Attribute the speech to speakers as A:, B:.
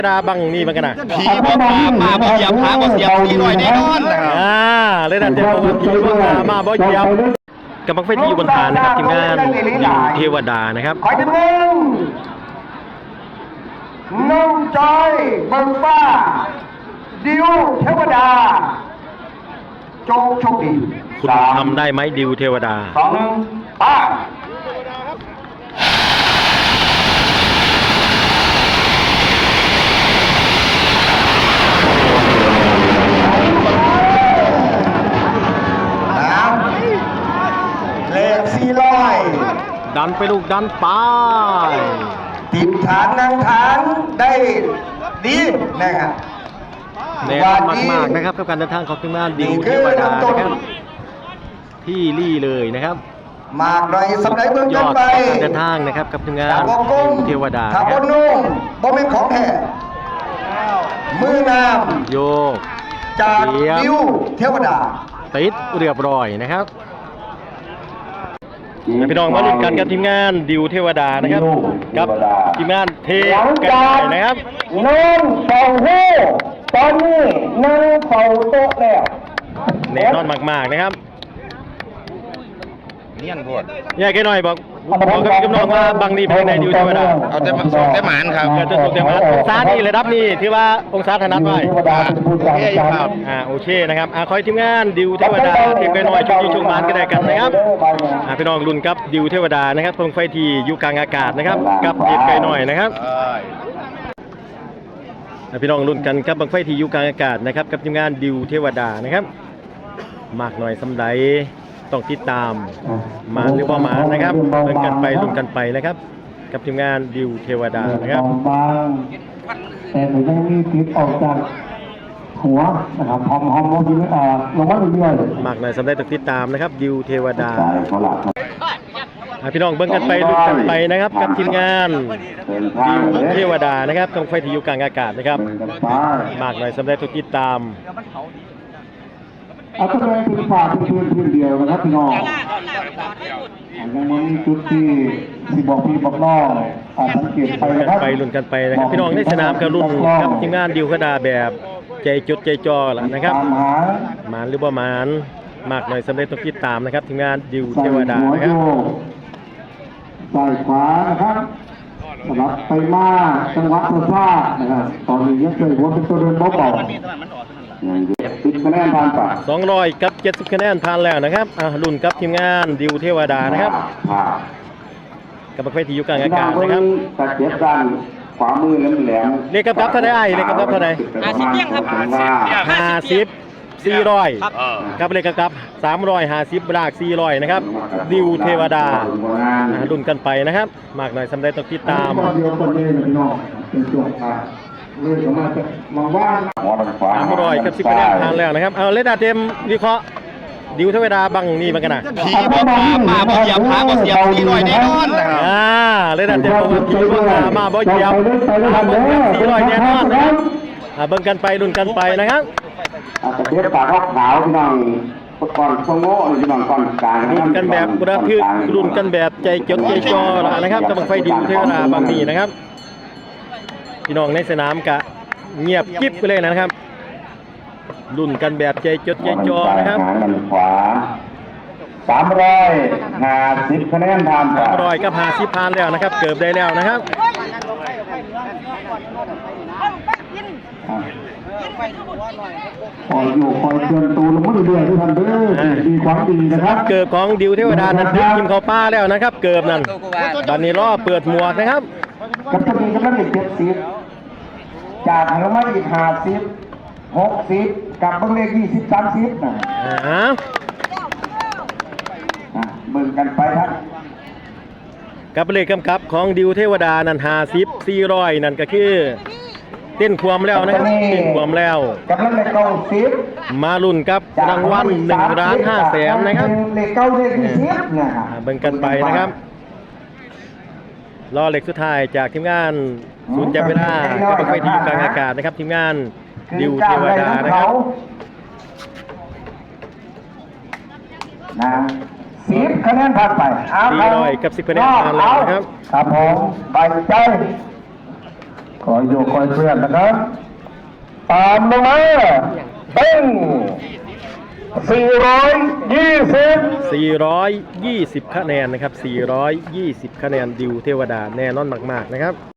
A: ดาบังนี่มันกันนะ
B: ผีบ่มาบ่เหยียบหาบ่เสียบผีลอยแน่นอนนะครับ
A: เลยนะเดี๋ยวผมผีบ่มาบ่เหยียบกำลังไฟที่อยู่บนฐานนะครับทีมงานดิวเทวดานะครับ
C: ขอทีมงานน้องจอยเบิงฟ้าดิวเทวดาจงโชคดี
A: คุณทำได้ไหมดิวเทวดา
C: 2 1ป้าเลข400
A: ดันไปลูกดันไป
C: ติดฐานนั่งฐานได้ดีนะครับ
A: แน่นอนมากๆนะครับกับการเดินทางของทีมงานดิวเทวดานะครับที่ลี่เลยนะครับ
C: มากหน่อยสำหรับเมืองกันไป
A: เดินทางนะครับกับทีมงานดิวเทวดา
C: ถ้าบนนุ่มบ่เป็นของแท้มือนาม
A: โยก
C: จากดิวเทวดา
A: ติดเรียบร้อยนะครับพี่น้องมาลุ้นกันกับทีมงานดิวเทวดานะครับกับทีมงานเทกันนะครับ
C: น้องเฝ้าหู้ตอนนี้นั่งเฝ้าโต๊ะแล้ว
A: แน่นอนมากๆนะครับ
B: เนียนโพด
A: แยกกันหน่อยบอกกับพี่น้องว่าบางดีเป็นในดิวเทวดา
B: เอาแต่หมานครับ
A: จะส่งแต่หมานองศานี่ระดับนี้ที่ว่าองศาถนัดไว้โอเคนะครับคอยทีมงานดิวเทวดาทีมกันหน่อยช่วยชมหมานกันได้กันนะครับพี่น้องลุ้นกับดิวเทวดานะครับตรงไฟที่อยู่กลางอากาศนะครับกับเด็กไกลหน่อยนะครับพี่น้องลุ้นกันกับบังไฟที่อยู่กลางอากาศนะครับกับทีมงานดิวเทวดานะครับมากหน่อยสำหรับต้องติดตามมาหรือว่ามานะครับเล่นกันไปลุ้นกันไปนะครับกับทีมงานดิวเทวดานะครับ
C: แต่หนูยังมีติดออกจากหัวนะครับหอมลงมาเรื่อย
A: ๆมากหน่อยสำหรับต้องติดตามนะครับดิวเทวดาพี่น้องเบิ่งกันไปลุ้นกันไปนะครับกับทีมงานดิวเทวดานะครับกองไฟที่อยู่กลางอากาศนะครับมากหน่อยสำหรับต้องติดตาม
C: เอาตัวเองเป็นฝ่ายพื้นเดียวนะครับพี่น้องยังมีจุดที่บอกพี่บอกน้องสังเกตไปนะครับ
A: ไปลุ้นกันไปนะครับพี่น้องในสนามกับรุ่นกับทีมงานดิวเทวดาแบบใจจดใจจ่อล่ะนะครับหมานหรือว่าหมานมากหน่อยสำเร็จต้องติดตามนะครับทีมงานดิวเทวดานะครับ
C: ใส่ขวานะครับสำหรับไปมาจังหวะซ่านะครับตอนนี้ยังเคยหัวเป็นตัวเดินเบา10 คะแนนผ่านไป
A: 200กับ70 คะแนนผ่านแล้วนะครับรุ่นกับทีมงานดิวเทวดานะครับกับประเภทที่อยู่กลางอากาศนะครับ
C: ตัดเจ็บด้านขวามือแหลม
A: เลขกับเท่าไหร่เลขกับเท่าไหร่
B: 50เปี้ยงครับ
A: 50 400กับเลขกับ350บาท400นะครับดิวเทวดารุ่นกันไปนะครับมากหน่อยสำหรับต้องติดตาม300กับ10 คะแนนผ่านแล้วนะครับเลดาเต็มวิเคราะห์ดิวเทวดาบังนี่มันกันนะ
B: ผีบ่มาบ่เหยียบหาบ่เสียบผีลอยแน่นอนนะครับ
A: เลดาเต็มผีบ่มาบ่เหยียบผีลอยแน่นอนนะครับเบิ่งกันไปลุ้นกันไปนะครับ
C: เทียบปากขาวพี่น้องก่อนโซโง่พี่น้องก่อนกลาง
A: ลุ้นกันแบบระทึกลุ้นกันแบบใจจดใจจ่อนะครับกับบังไฟดิวเทวดาบังนี่นะครับพี่น้องในสนามกะเงียบกิ๊บไปเลยนะครับรุ่นกันแบบใจจดใจจ่อนะครับ
C: ขวา350 คะแนนผ่าน
A: 300กับ50ผ่านแล้วนะครับเกือบได้แล้วนะครับ
C: คอยอยู่คอยเตือนตูลงมาเรื่อยๆทุกท่านเด้อดีความดีนะครับ
A: เกิบของดิวเทวดานั้นดึงกินเข้าป้าแล้วนะครับเกิบนั่นตอนนี้รอเปิดหมวกนะครับ
C: กับตัวนี้กำลัง70จากทางมาอีก50 60กับเบิ้งเลข20 30นะเบิ่งกันไปครับ
A: กับเลขกำกับของดิวเทวดานั้น50 400นั่นก็คือเต้นความแล้วนะครับเต้นความแล้ว
C: กับเลข90
A: มาลุ้นกับรางวัล1,500,000นะครับ
C: เลข9เลข20นะครับ
A: เบิ่งกันไปนะครับรอเลขสุดท้ายจากทีมงานศูนย์จับเวลากับบังไฟที่อยู่กลางอากาศนะครับทีมงานดิวเทวดานะครับ
C: 10 คะแนนผ่านไป
A: 400กับ10 คะแนนผ่านแล้วนะครับ
C: ครับผมใบใจคอยโยกคอยเคลื่อนนะครับตามลงมาเป็น420
A: 420 คะแนนนะครับ420 คะแนนดิวเทวดาแน่นอนมากๆนะครับ